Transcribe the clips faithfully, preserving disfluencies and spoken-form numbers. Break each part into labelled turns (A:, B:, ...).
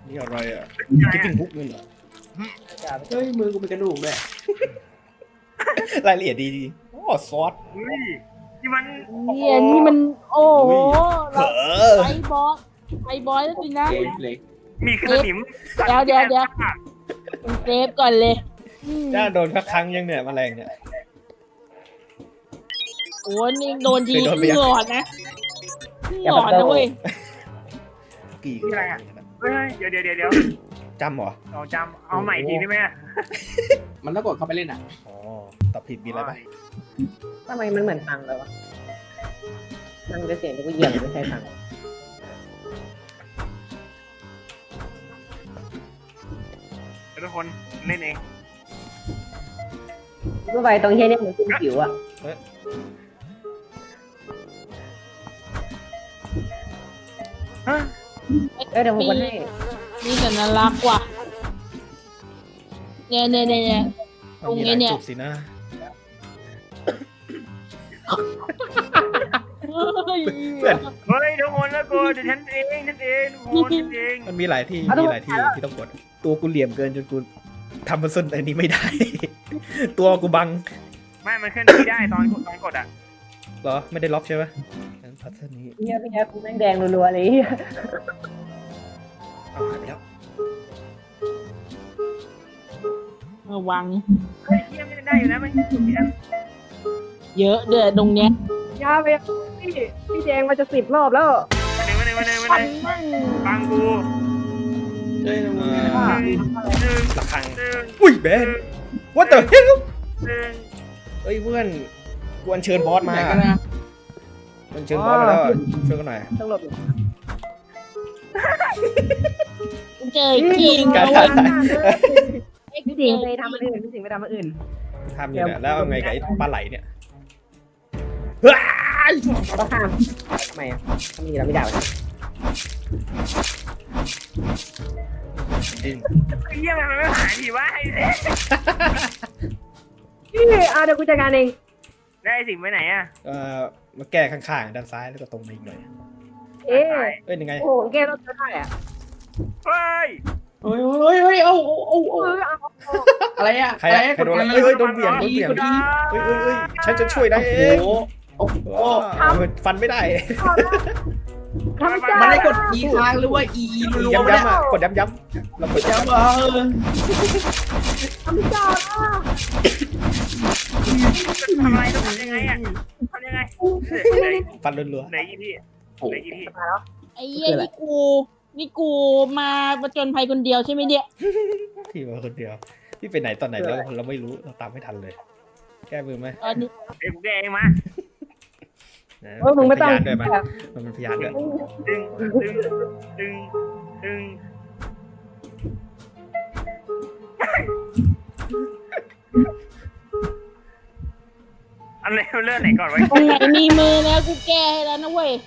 A: นี่อะไรอ่ะคิดถึงฮุกเลยเหรอ
B: เฮ้ยมือกูเป็นกระดูกด้วย
A: รายละเอียดดีดีโอ้ซอส
C: เฮ้ยนี่มัน
D: เนี่ยนี่มันโอ้โห
A: เผลอ
D: ไอบอสไอบอสแล้วสินะ
B: เกมเลย
C: มีขนม
D: เดี๋ยวเดี๋ยวเดี๋ยว เซฟก่อนเลยอืม
A: จ้าโดนสักครั้งยังเนี่ยแมลงเนี่ย
D: โอ้นี่โดนที
A: เคยโดนไปยัง
D: หลอดนะหลอดนะเว้ย
A: กี่
C: นี่อะไรอ่ะเฮ้ยเดี๋ยวเดี๋ยวเดี๋ยวเดี๋ยว
A: จำเหรอ
C: เอาจำเอาใหม่ทีได้ไหมอะ
B: มันต้องกดเข้าไปเล่นอ่ะ
A: อ๋อตอบผิดมีอะไรไหม
E: ทำไมมันเหมือนตังเลยวะตังจะเสียงที่กูเหยียบไม่ใช่ตัง
C: เดี๋ยวทุกคนเล่นเอง
E: กูไปตรงเฮียเนี่ยเหมือนคุณผิวอ่ะ
C: ฮะ
E: เออเดี๋ยวผมกดให้
D: นี่แต่น่ารักว่ะเนี่ยเนี่ยเนี่ยเนี่ย
A: มันมีหลาย
D: ตรงนี้เนี่ย
A: จุดสินะ
D: เฮ้ย
A: เพื่อน
C: เฮ้ยทุกคนแล้วกูเดี๋ยวฉันเองฉันเองทุกคนฉันเอง
A: มันมีหลายที่มีหลายที่ที่ต้องกด ตัวกูเหลี่ยมเกินจนกูทำมันส้นอันนี้ไม่ได้ ตัวกูบัง
C: ไม่มันขึ้นที่ได้ตอนกดตอนกดอ่ะ
A: เหรอไม่ได้ล็อกใช่ไหมงั้นพัฒนี้
E: เฮียพี่แอ๊บแม่งแดงรัวๆเลยเฮีย
A: เอาหายไปแล้ว
D: ระวัง
C: เฮ้ยเทียมไม่ได้อยู่นะมัน
D: เยอะเดือดตรงเนี้ย
E: ยาไปพี่พี่แดงมาจะสิบรอบแล้ว
C: มาหนึ่งมาหนึ่งมาหนึ่งมาหนึ่งฟังกู
B: เฮ้ยมึง
C: หนึ่งหนึ่ง
A: ระฆัง
C: หนึ่ง
A: อุ้ยแบน what the hell
C: หนึ่ง
A: เฮ้ยเพื่อนกูอัญเชิญบอสมา
B: ไหนกันนะ
A: อัญเชิญบอสมาแล้วอะช่วยกันหน่อย
E: ต้องหลบอยู่
D: เจอจริง
A: การ
D: เอา
A: ถ่า
D: ไว้
A: ย
E: พี่สิงห์ไปทำอันอื่นพี่สิงห์ไปทำอันอื่น
A: ทำอยู่เนี่ยแล้วเอาไงกับไอ้ปลาไหลเนี่ยว้าย
E: ก็ข้ามทำไมอ่ะทำมีเราไม่ได้วะ
A: จริง
C: ไอ้เหี้ยมันไม่หายทีวะไอ้เด็ก
E: พี่อ่ะเดี๋ยวกูจัดการเอง
C: ได้สิ่งไปไหนอ่ะ
A: เอ่อมาแก้ข้างๆด้านซ้ายแล้วก็ตรงมาอีกหน่อย
E: เอ๊ะ
A: เอ้ยยังไง
E: โอ้โหแก้รถก็ได้อ่ะ
C: เฮ้ย
B: เฮ้ยเฮ้ยเฮ้ยเอาเอา
E: เอ
B: เอา
E: อเอา
B: อะไรอ่ะ
A: ใครอะใครโดนอะไรเอ้ยเอ้ยโดนเบี่ยงโดนเบี่ยง
B: กดอี
A: เอ้ยเอ้ยเอ้ยฉันจะช่วยได้เอ
B: โอ้
A: ง
B: โหโอ้โห
A: ว้าวฟันไม่ได้
E: ทำจ้า
B: มันได้กดอีค้างหรือว่าอีอีรัวๆ
A: ย้ำ
B: เนี่ย
A: ๆอ่ะกดย้ำๆเรากด
B: จะ
A: ย้ำ
B: มาเออ
E: ทำจ้า
C: ทำอะไรต้องทำยังไงอ่ะทำยังไงเหลือ
A: ฟันรัว
C: เหลือกี่ที่
B: โอ้
C: เหลือกี่ที่
D: ไอ้เหี้ยนี่กูนี่กูมาประจนภัยคนเดียวใช่ไหมเนี่ย
A: ๆพี่มาคนเดียวพี่ไปไหนตอนไหนแล้วเราไม่รู้เราตามไม่ทันเลย แก้มือไหม
D: ตอนนี้
C: เดี๋ยวกูแกเองมา
A: นะ
E: เออมึงไม่ต้อง
A: พยานด้วยไหมมันเป็นพยานด้วย
C: ดึงดึงดึงดึงอันไหนเรื่องไหนก่อนไว้
D: ตรงไหนมีมือแล้วกูแก้ให้แล้วนะเว้ย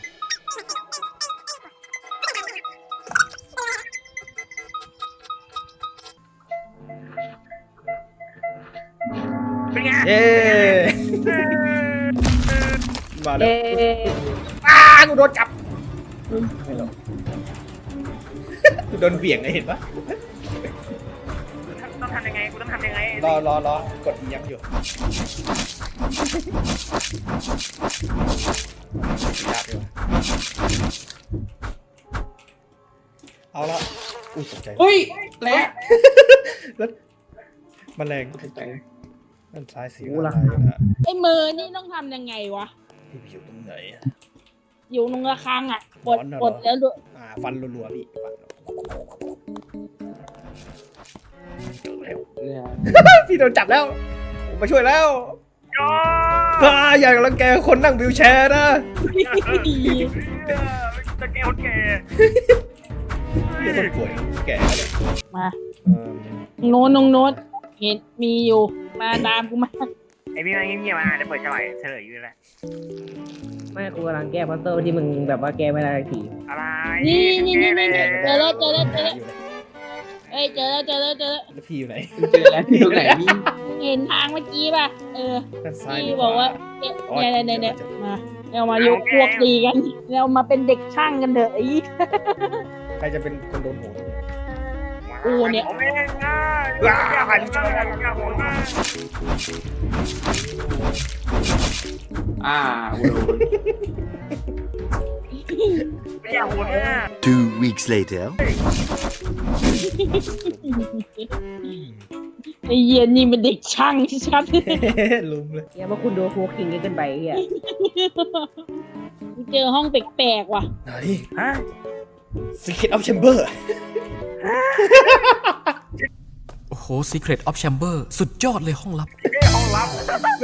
C: เป็นไง
A: เย้มาแล้ว
E: เอ๊ะ
A: อ้ากูโดนจับกูโดนเบี่ยงไงเห็นปะ
C: ต้องทำยังไงกูต้องทำยังไง
A: รอรอรอกดย้ำอยู่ยากอยู่เอาละอุ้ยตกใจ
B: เฮ้ยแหละ
A: แมลงด้านซ้ายสีอะไรนะ
D: ไอ้มือนี่ต้องทำยังไงวะ
A: พี่ไปอยู่ตรงไหนอะ
D: อยู่ตรงระฆังอ่ะกด
A: ร้อนน่ะ
D: กดแล้วดู
A: อ่าฟันรัวๆพี่ฟันเจอแล้ว
B: เนี่ย
A: พี่โดนจับแล้วผมมาช่วยแล้ว
C: ย่อ
A: อ่าอย่ารังแกคนนั่งวิวแชร์นะ
C: จะแก้คนแก่
A: ไม่คนป่วยแก่เลย
D: มา
A: เอิ่ม
D: โน้นนงโน้นเห็นมีอยู่มาตามกูมา
C: ไอพี่มาเงียบๆมาจะเปิดฉลายเฉลยอยู่แล้ว
E: ไม่กูกำลังแก้พัซเซิลที่มึงแบบว่าแก้ไม่ได้ที
C: อะไร
D: นี่นี่นี่นี่
C: แก้
D: เจอแล้วเจอแล้วเจอแล้ว
A: อยู่ไหน
D: เอ้ยเจอแล้วเจอแล้วเจอแล้ว
A: แล้วพี่อยู่ไหน
B: เจอแล้วที่ตรงไหนมี
D: เห็นทางเมื่อกี้ป่ะเออ
A: ด้านซ้าย
D: พี่บอกว่าเนี่ยเนี่ยเนี่ยเนี่ยมาเรามายกพวกตีกันเรามาเป็นเด็กช่างกันเถอะไอ้
A: พใครจะเป็นคนโดนโหน
D: กูเนี่ย
C: ผมเองนะอย่าหันมาอย่าหันมา
B: อ่าโอ้โห
C: อย่าหันมา
F: Two weeks later.
D: ไอ้เหี้ย็นนี่มันเด็กช่างชัด
A: ลุมเลย
E: เฮียเมื่อคุณดูโฟคิงเกินไปเฮีย
D: เจอห้องแปลกๆว่ะ
A: ไหน
C: ฮะ
A: Secret of Chamber
G: โอ้โห Secret of Chamber สุดยอดเลยห้องลับ
C: นี่ห้องลับ
A: แม่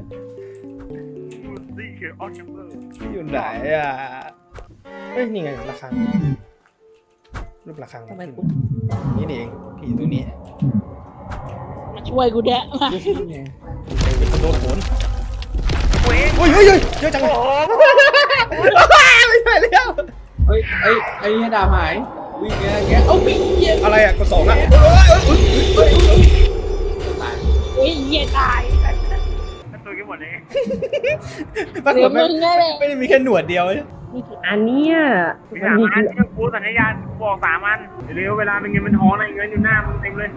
C: นี่คือออชเบอร์
A: อยู่ไหนอ่ะเอ้ย นี่ไงระฆังรูประฆัง
E: ทำไมกู
A: นี่นี่เองผีตัวนี้
D: มาช่วยกูแดะมา
A: เป็นคนโดนโหน
C: เว้ย
A: โอ้ยเฮ้ยเฮ้ยเยอะจังเลย
C: โอ้
A: ไม่ใช่แล้ว
B: เฮ้ยไอ้ไอ้เนี่ยดาบหายวิ่งแกแกเอ้าวิ่งเหี้ย
A: อะไรอ่ะกดสองอ่ะ
B: เฮ้ยตาย
D: เฮ้ยเหี้ยตาย
C: ตัวกี่หมดเลย
A: ปราก
D: เดี๋ย
A: ฏ
D: ว
A: ไม่
D: มึงนั่นแหละ
A: ไม่ได้มีแค่หนวดเดียว
E: นี่กี่อันเนี่ย
C: มี
E: มัน
C: สาม
E: มี
C: อัน
E: กี่
C: เชื่อกูสัญญาณบอกสามอันเร็วเวลาเป็นเงินเป็นทองอะไรเงินอยู่หน้ามึงเต็มเลย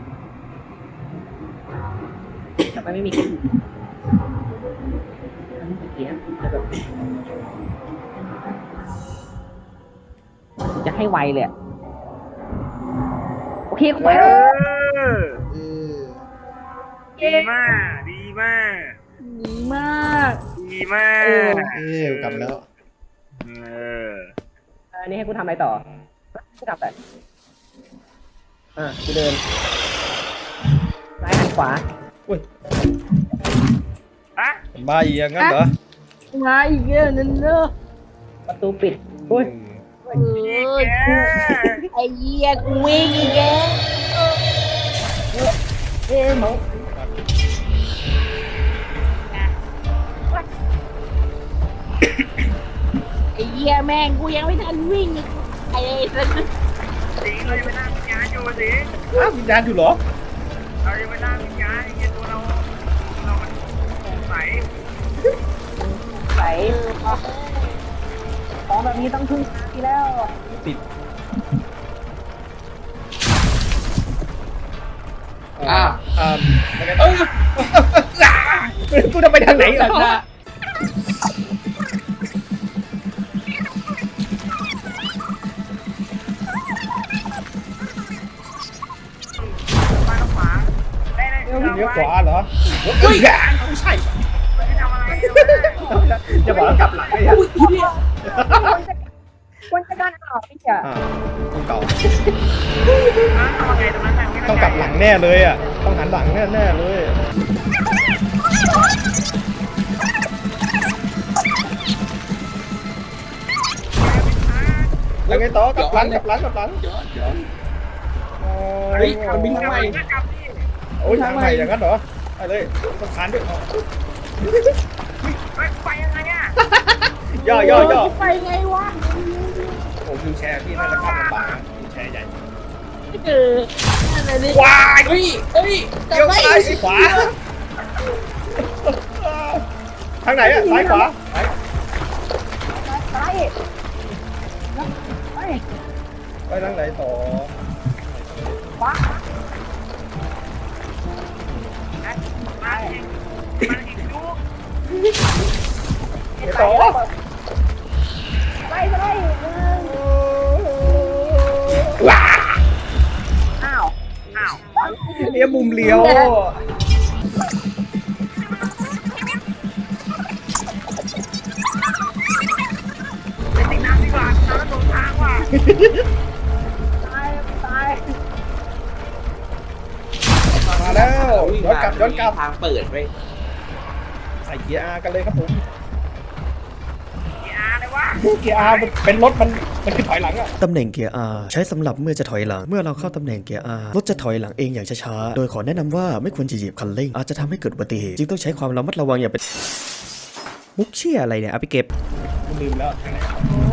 E: แต่มันไม่มีกี่อันนี้กี่อันแต่แบบจะให้ไวเลยอะโอเคกูไป
C: เอ
E: แล้ว
C: อดีมากดีมาก
D: ดีมาก
C: ดีมาก
A: เอ้ยกลับแล้ว
C: เออ
E: อันนี้ให้กูทำอะไรต่อกูทำแต่อ่ะกูเดินซ้ายหันขวา
A: อุ้ย
C: ฮะ
A: บ้าอีกอย่างงั้นเหรอ
D: มาอีกแล้วนั่นเนอะ
E: ประตูปิดอุ้ย
D: เออไอ้เหี้ยกูวิ่งอีกแล้ว
E: เอ๊ะเมาส์
D: ไอ้เหี้ยแม่งกูยังไม่ทันวิ่งอีกไอ้สัส
C: สิงเรายังไม่นั่งวิญญาณอยู่สิ
A: อ้าววิญญาณอยู่เหรอ
C: เรายังไม่นั่งวิญญาณไอ้เหี้ยตัวเราเรามันโปร่งใส
E: ใสของแบบนี้ต้องพึ่งทีแล้ว
A: ติด
B: อ่า
A: อ่าแล้วไง
B: เอ้ย
A: กูจะไปทางไหน
B: หลัง
A: อ่ะ
B: นะ
C: มาทางขวาได้ได้
A: เลี้ยว
C: เรา
A: เลี้ยว
C: ไว้
A: ขวาเหรอเฮ้ยไม่ใช่
C: ไม่ทำอะไรเลย
A: จะบอกว่ากลับหลังเลยอ่ะ
B: อุ้ยอีเนี่ย
E: ควรจะการออกพี่จ๋า
A: อ่าต้องเก่า
C: นะทำอะไรตรงนั้นแต่ไม่
A: ต้องกลับหลังแน่เลยอ่ะต้องหันหลังแน่แน่ๆเลยแล้วไงต่อกลับหลังกลับหลังกลับหลัง
B: ย้อนย้อน
A: อ๋อ
B: เฮ้ยมันบินทำไม
C: กลับนี่
A: โอ้ยทางใหม่อย่างนั้นเหรอไปเลยต้องคานด้วย
C: ไปไปยังไงอ่ะ
A: ย่อย่อย่อ
D: ไปไงวะ
A: โอ้วิวแชร์พี่น่าจะข้ามลำบากนะวิวแชร์ใหญ่
D: เออนั่นแหละดิ
A: ว้าย
B: เฮ้ยเฮ้ย
A: เลี้ยวซ้ายขวาทางไหนอะซ้ายขวา
E: ซ้ายไป
A: ไปทางไหนต่อ
E: ขวา
C: มาอีกมาอีกลูก
A: ไปต่อ
E: ไปไป
A: ว้า
E: อ้าว
C: อ้าว
A: เลี้ยวมุมเลี้ยว
C: ไปติดน้ำดีกว่าน้ำตรงทางว่ะ
E: ตายตาย
A: มาแล้วย้อนกลับย้อนกลับ
B: ทางเปิดไป
A: ใส่เกียร์ R กันเลยครับผม
C: กีอาเลยวะ
A: เกียร์ R มันเป็นรถมันมันคือถอยหลังอะ
G: ตำแหน่งเกียร์ R ใช้สำหรับเมื่อจะถอยหลัง เมื่อเราเข้าตำแหน่งเกียร์ R รถจะถอยหลังเองอย่างช้าๆ โดยขอแนะนำว่าไม่ควรจะเหยียบคันเร่งอาจจะทำให้เกิดอุบัติเหตุจึงต้องใช้ความระมัดระวังอย่างเป็นมุกเชี่ยอะไรเนี่ยเอาไปเก็บ
A: กูลืมแล้วทางไหน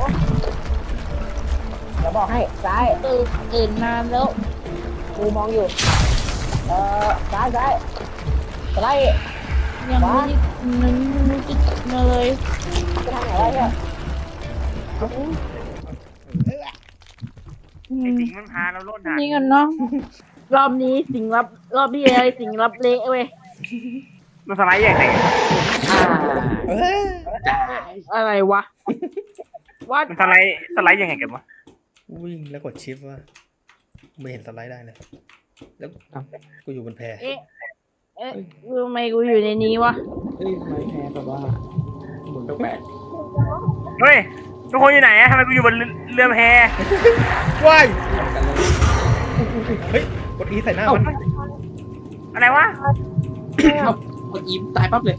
E: เราบอกให้ซ้าย
D: ตื่นตื่นนานแล้ว
E: กูมองอยู่เออซ้ายซ้ายซ้าย
D: ยังไม่ได้มันไม่ได้มาเลย
E: จะทางไหนวะเนี่ย
C: ไอ้สิงมันพาเราโลดหนัก
D: นี่กันเนาะรอบนี้สิงรับรอบที่อะไรสิงรับเละเว้ย
C: มันสไลด์ใหญ่ไหน
B: อ่า
A: เออ
B: จ่าย
D: อะไรวะว่า
C: มันสไลด์สไลด์ยังไงกันวะ
A: วิ่งแล้วกดชิปว่าไม่เห็นสไลด์ได้เลยแล้วกูอยู่บนแพ
D: เอ๊ะเอ๊ะทำไมกูอยู่ในนี้วะ
B: เฮ้ยทำไมแพ้แบบว่าหมุนแปลก
C: เฮ้ยทุกคนอยู่ไหนอะทำไมกูอยู่บนเรือแพ
A: ว้ายเฮ้ยกดอีใส่หน้ามัน
C: อะไรวะ
B: ๆเอากดอีตายปั๊บเลย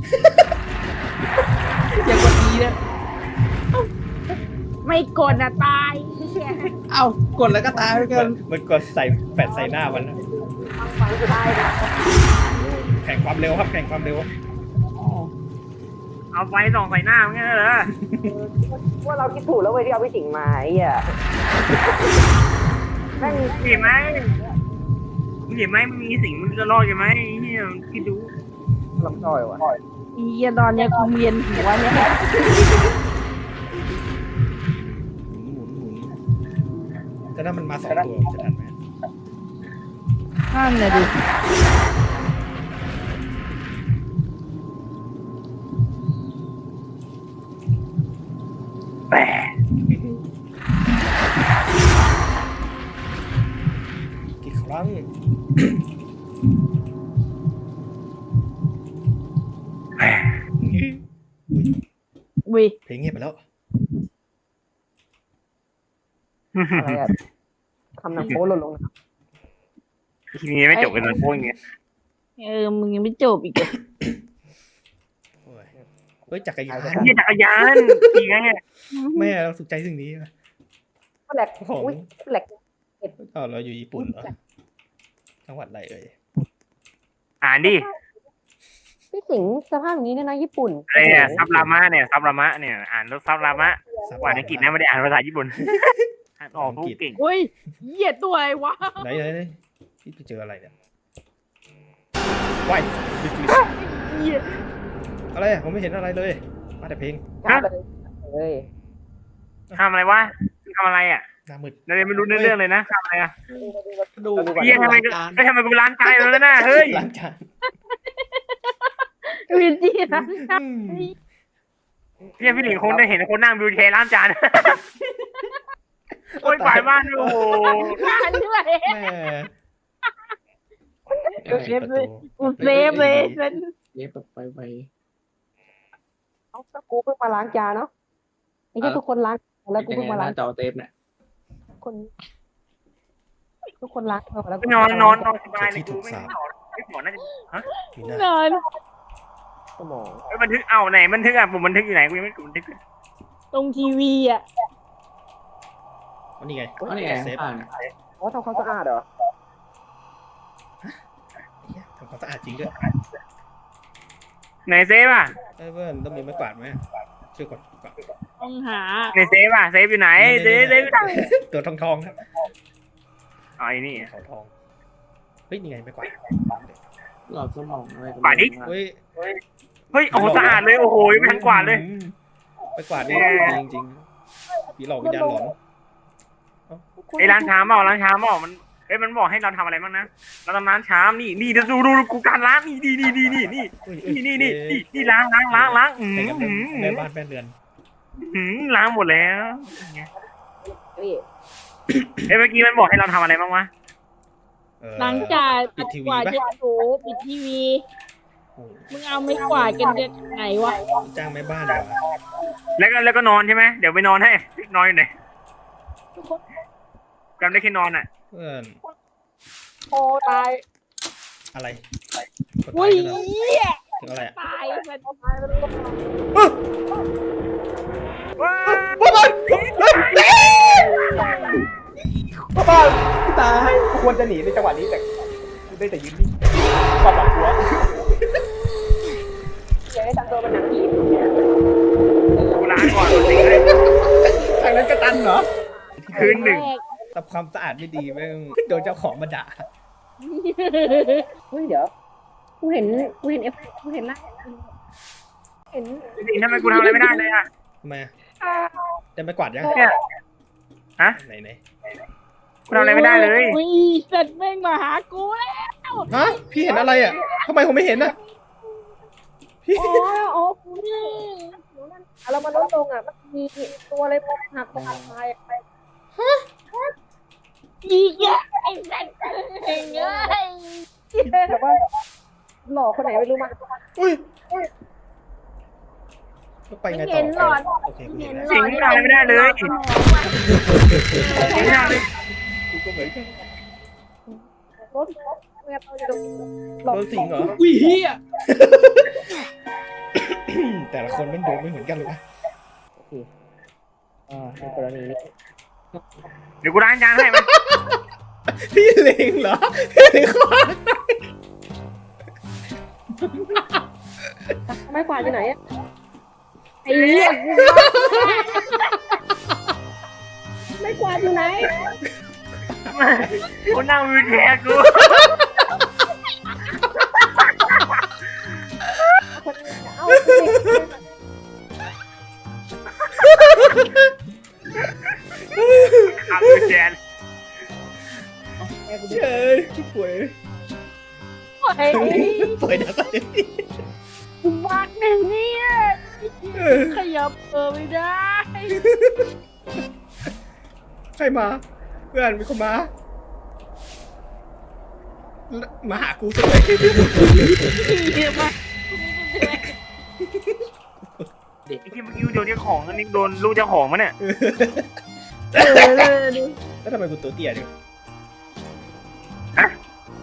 B: อย่ากดอีนะ
D: ไม่กดอะตาย
B: เอ้ากดแล้วก็ตายไป
A: มั
B: กัน
A: นมันกดใส่แปดใส่หน้ามันนะ
D: ฟังตายนะ
A: แข่งความเร็วครับแข่งความเร็ว
C: เอาไฟส่องใส่หน้ามันงั้นเหรอ
E: ว่าเราคิดถูกแล้วเว้ยที่เอาพี่สิงห์มาไอ้เหี้ยแม่ง
C: เห็นไหมมึงเห็นไหมมันมีสิ่งมันจะรอดกันไหมเฮียคิดดู
E: ลำต้อยวะ
D: อีเหี้ยตอนเนี้ยกูเวียนหัวเนี่ย
A: หมุนหมุนแต่ถ้ามันมาสองตัวจะทันไหม
D: นั่นน่ะดิ
C: แปะ
A: กี่ครั้ง
D: วิ
A: เพลงเงียบไปแล้ว
E: อะไรอะทำหนังโป๊หล่นลงนะ
C: ทีนี้ไม่จบกันเลยพวกอย่างเงี้ย
D: เออมึงยังไม่จบอีกเหรอ
A: โอ้ยเฮ้ยจักรยาน
C: เฮียจักรยานขี่ไงเนี่ย
A: แม่เราสุขใจสิ่งนี้นะ
E: แหลก
A: ของ
E: อุ้ยแหลก
A: อ๋อเราอยู่ญี่ปุ่นเหรอจังหวัดอะไรเอ่ย
C: อ่านดิ
E: พี่สิงห์สภาพอย่างนี้เนี่ยนะญี่ปุ่น
C: อะไรเนี่ยซับรามะเนี่ยซับรามะเนี่ยอ่านรถซับรามะอ่านอังกฤษนะไม่ได้อ่านภาษาญี่ปุ่นอ่านออกพูดเก่ง
D: เฮ้ยเหี้ยตัวอะไรวะ
A: ไหนไหนไหนที่ไปเจออะไรเนี่ยว้ายบิ๊กลิ
D: เหี้ย
A: อะไรอะผมไม่เห็นอะไรเลยมาแต่เพลง
E: กล้าไปเลยเฮ้ย
C: ทำอะไรวะทำอะไรอ่ะ
A: หน้ามืด
C: เราเลยไม่รู้เรื่องเลยนะทำอะไรอ่ะ
B: ดู
C: เฮียทำไม
B: การ
C: ไม่ทำไมกูล้างใจแล้วนะเฮ้ย
A: ล้างจาน
D: วินจี้นะ
A: อืม
C: เฮียพี่หนิงคงได้เห็นคนนั่งวิวแชร์ล้างจานโอ้ยฝ่ายบ้านโอ้โห
D: งานด้วย
A: แม่
D: เซฟเลยกูเซฟเลยฉัน
B: เย็บแบบไปไป
E: เอาก็กูเพิ่งมาล้างจานเนาะไอ้เหี้ยทุกคนล้างแล้วกู
B: ยัง
E: เพิ่ง
B: ไง
E: มาล้าง
B: นะจอเทปเนี่ย
E: คน ทุกคนล้างเออแล้วกู
C: นอนนอนนอนสบายเลยกูไม่นอนไม่หมอน่าจะฮะ
A: มีหน้าน
D: อน
E: สมอง
C: เอ้ยบันทึกเอาไหนบันทึกอ่ะผมบันทึกอยู่ไหนกูยังไม่กดบันทึกเลย
D: ตรงทีวีอ่ะ
A: อ๋อนี่ไง
B: อ๋อนี่ไง
A: เซฟ
B: อ่าน
E: อ๋อทำความสะอาดเหรอ
A: เหี้ยทำความสะอาดจริงด้วย
C: ไหนเซฟอ่ะ
A: เอ้ยเพื่อนต้องมีไม้กวาดไหมช่วยกดกวาด
D: ต้องหา
C: ไหนเซฟอ่ะเซฟอยู่ไหนเซฟเซฟอยู่ไหน
A: ตัวทองทองๆครับ
C: อ๋อไอ้นี่
A: เขาทองเฮ้ยนี่ไงไม้กวาด
B: หลอดสมองอะไร
C: กวาดดิ
A: เฮ้ย
C: เฮ้ยโอ้โหสะอาดเลยโอ้โหยังไม่ทันกวาดเลย
A: อืมไม้กวาดนี่จริงจริงๆผีหลอกวิญญาณหลอน
C: ไอ้ร้านชามเปล่าร้านชามเปล่ามันเอ้ยมันบอกให้เราทำอะไรบ้างนะเราทำร้านชามนี่นี่ดูดูดูกูการล้างนี่นี่นี่นี่นี่นี่
A: เฮ้ย
C: นี่นี่นี่นี่นี่ล้างล้างล้างล้างอืม
A: แต่งกัน
C: อื
A: เป็น
C: ม
A: แม่บ้านแม่เรือน
C: อืมล้างหมดแล้ว
E: เฮ้ย
C: เอ้ยเมื่อกี้มันบอกให้เราทำอะไรบ้างวะ
A: เออ
D: หลังจาก
A: ปิดทีวี
D: กวาด
A: ปะ
D: เช็ดถูปิดทีวี
A: โอ้
D: มึงเอาไม่กวาดกันจะไหนวะ
A: จ้างแม่บ้านเหรอ
C: แล้วก็แล้วก็นอนใช่ไหมเดี๋ยวไปนอนให้นอนอยู่ไหนจำได้แค่นอนอ่ะ
A: เพื่อน
E: โอ้ตาย
A: อะไรกด
D: อุ้
A: ตาย
D: ย
A: กันเหรอ
D: เหี้ย
A: ถึงอะไรอะ
D: ตายมัน
C: ว้า
A: พ่อบ้านพ่อบ้านตายกูควรจะหนีในจังหวะนี้แต่กูได้แต่ยืนนิ่งความหวังหัว
E: เจ๊ทำตัวเป็นหนังผี
C: กูล้างก่อนสิเลย
A: ทางนั้นกระตันเหรอ
C: คืนหนึ่ง
A: ทำความสะอาดไม่ดีแม่งโดนเจ้าของมาด่า
E: เฮ้ยเดี๋ยวกูเห็นกูเห็นเอฟกูเห็นละเห็น
C: จริงๆทำไมกูทำอะไรไม่ได้เลยอ่ะ
A: ทำไมอะได้ไม้กวาดยัง
C: เนี่ยฮะ
A: ไหนไหน
C: กูทำอะไรไม่ได้เลย
D: อุ้ยเสร็จแม่งมาหากูแล้ว
A: ฮะพี่เห็นอะไรอ่ะทำไมผมไม่เห็นอ่ะพี่
E: อ๋ออ๋อกูนี่เรามาลดลงอ่ะมันมีตัวอะไรพวกหักหักตายไป
D: อีกอ่ะไอ้สัตว์เอ้ยเอ้ย
E: แต่ว่าหล่อคนไหนไม่รู้มา
A: อุ้ยไปไงต่
D: เห็นหล
A: อ
D: อด
A: โอเคกูเห็นแล้ว
C: สิงกูทำอะไรไม่ได้เลยสิงกูทำอะไร
A: กูก็เหมือนกัน
E: รถรถเงียบเราอยู่ตรงนี้หล
A: โด
E: อก
A: นสิงเหรอ
B: อุ้ยเฮีย
A: แต่ละคนมันโดนไม่เหมือนกันเลยนะ
E: โอเคอ่าในกรณีนี้
C: เดี๋ยวกูล้างจานให้มัน
A: พี่เลงเหรอพี่เลงคว้า
E: ไม่กวาดอยู่ไหนอ่ะ
D: ไอ้เหี้ยกู
E: ไม่กวาดอยู่ไหน
C: กูนั่งวิวแชร์กู
E: คนอื่นจะเอา
C: ขับวิวแชร์
E: แม่กู
A: เฉยป่วย
D: ไอ้
A: ป่วยนะตอนนี้
D: กูบักเนี่ยเนี่ยขยับเออไม่ได้
A: ใครมาเพื่อนมีคนมามาหากูสักเลย
D: เหี้ยมาก
C: ไอ้ที่เมื่อกี้โดนเจ้าของอันนี้โดนลูกเจ้าของมั้ยเนี่ย
D: เออดู
A: แล้วทำไมกูตัวเตี้ยเนี่ย
C: ฮะ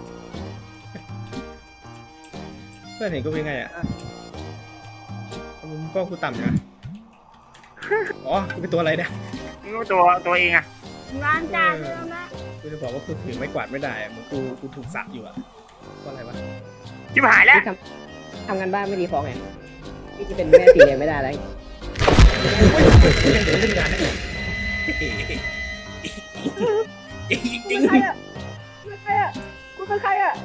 A: เพื่อนเห็นกูเป็นไงอ่ะมึงกล้องกูต่ำใช่ไหมอ๋อกูเป็นตัวอะไรเนี่ย
C: มึงรู้ตัวตัวเองอะ
D: ร้านจานแล้วนะ
A: กูจะบอกว่ากูถือไม้กวาดไม่ได้อะเหมึงกูกูถูกสับอยู่อ่ะก็อะไรวะ
C: ชิบหายแล้ว
E: ทำทำงานบ้านไม่ดีฟ้องไงพี่จะเป็นแม่ตีไม่ได้แล้ว
A: ยังเดินเล่นงานนะจริง
E: ใครอ่ะใครอ่ะกูเป็นใครอ่ะ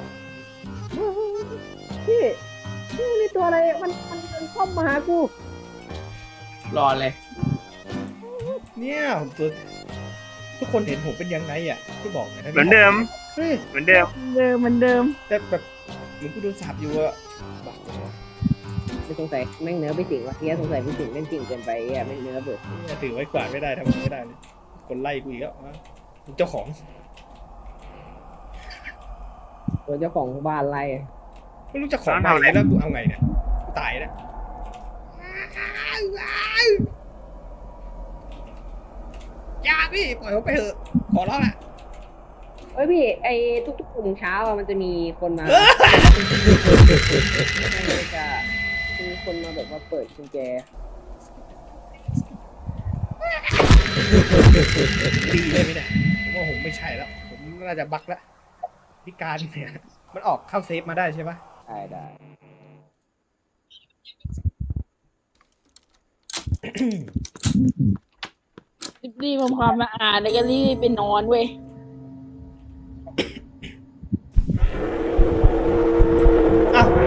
E: พี่พี่มีตัวอะไรมันมันมันเข้ามาหากู
B: รอเลย
A: เนี่ยผมตัวทุกคนเห็นผมเป็นยังไงอ่ะที่บอกไงนะ
C: เหมือนเดิม
A: เฮ้ย
C: เหมือนเดิม
D: เดิมเหมือนเดิม
A: แต่แบบเหมือนกูโดนสับอยู่อะบอก
E: ไม่สงสัยแม่งเนื้อไปสิงวะเฮียสงสัยไปสิงเล่นจริงเกินไปอ่ะแม่งเนื้อเบิด
A: เนี่ยถือไม้กวาดไม่ได้ทำอะไรไม่ได้เลยคนไล่กูอีกแล้วอ่ะเจ้าของ
E: ตัวเจ้าของบ้านไล่
A: ไม่รู้จะของไปไหนแล้วกูเอาไงเนี่ยกูตายแล้วอย่าพี่ปล่อยผมไปเถอะขอร้องละ
E: เอ้ยพี่ไอ้ทุกๆกลุ่มเช้าอ่ะมันจะมีคนมาจะมีคนมาแบบว่าเปิดกุญแจ
A: ดีเลยไหมเนี่ยผมว่าผมไม่ใช่แล้วผมน่าจะบั๊กแล้วพิการเนี่ยมันออกเข้าเซฟมาได้ใช่ปะ
E: ได้ได้
D: รีบๆทำความสะอาดแล้วก็รีบไปนอนเว้ย
A: อ้าว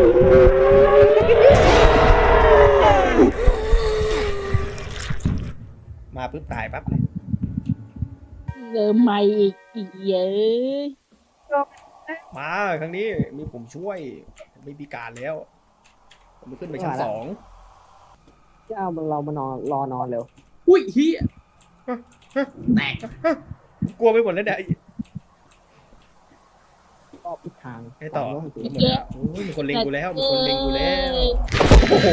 A: มาปุ๊บตายปั๊บเลย
D: เริ่มใหม่อีกอีกเยอะ
A: มาครั้งนี้มีผมช่วยผมไม่พิการแล้ว ผมขึ้นไปชั้นสอง
E: เจ้าเรามานอนรอนอนเร็ว
B: อุ้ยเฮียแตก
A: กลัวไปหมดแล้วเนี่ย
E: รอบทิศทาง
A: ไอ้ต่อหมดแล้วโอ้ยมีคนเล็งกูแล้วมีคนเล็งกูแล้วโอ้โห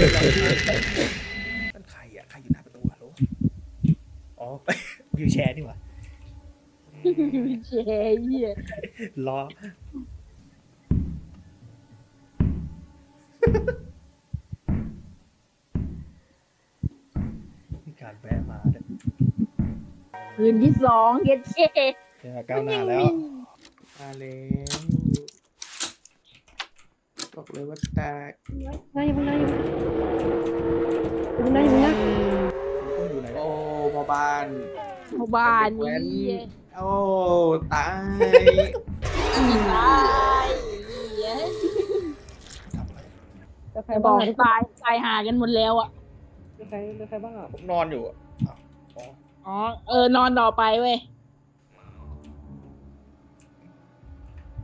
A: นั่นใครอ่ะใครอยู่หน้าประตูฮัลโหลอ๋อ วิวแชร์นี่หว่า
D: เจ๊เหี้ย
A: รอ มีการแวะมาเนี่ย
D: คืนที่สองเย็ดเจ๊
A: เนี่ยก้าวหน้าแล้ว
B: มาแล้วบอกเลยว่าแตก
E: ไงมึงไงมึงไงมึงไง
A: คุณอยู่ไหน
B: โอ้มาบ้าน
D: หมู่บ้านนี้
B: โอ้ตาย
D: ตายเหี้ย
A: ทำอะไร
E: แล้วใคร
D: บ
E: บ้า
D: อง กตายตายหากันหมดแล้วอ่ะ
E: ใครใครบ้างอ่ะ
A: ผมนอนอยู่อะอ้าวอ๋อ
D: อ๋อ เออนอนต่อไปเว้ย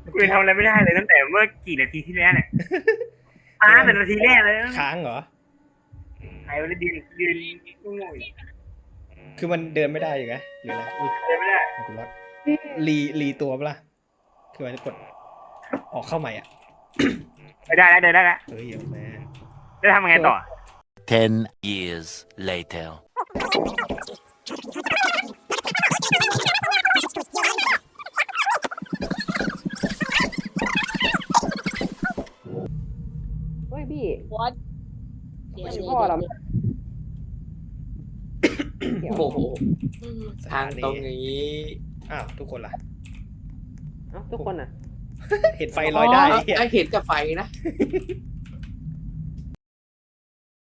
C: กูยังทำอะไรไม่ได้เลยตั้งแต่เมื่อกี่นาทีที่แล้วเนี่ยอ่าแต่นาทีแรกเลย
A: ค้างเหรอ
C: ใครวันนี้ยืนยืนงง
A: คือมันเดินไม่ได้อยู่ไงหรืออะไรอุ๊ย
C: เดินไม่ได้
A: กูรอดรีรีตัวปะล่ะคือมันจะกดออกเข้าใหม่อ่ะ
C: ไม่ได้แล้วเดินได้แล้ว
A: เฮ้ยเดี๋ยวแม่
C: จะทำยังไงต่อ
F: Ten years later.
E: เฮ้ยพี่
D: what
E: ไม่ใช่พ่อเรา
B: โอ้โห
D: อืม
A: ส
B: ทาง
A: ถนี
B: ตรงอย่างนี้
A: อ้าวทุกคนล่ะ
E: เอ้าทุกคนอ่ะ
A: เห็นไฟลอยได้
B: อ๋อ
A: เหี้ย
B: ไอเห็นกับไฟนะ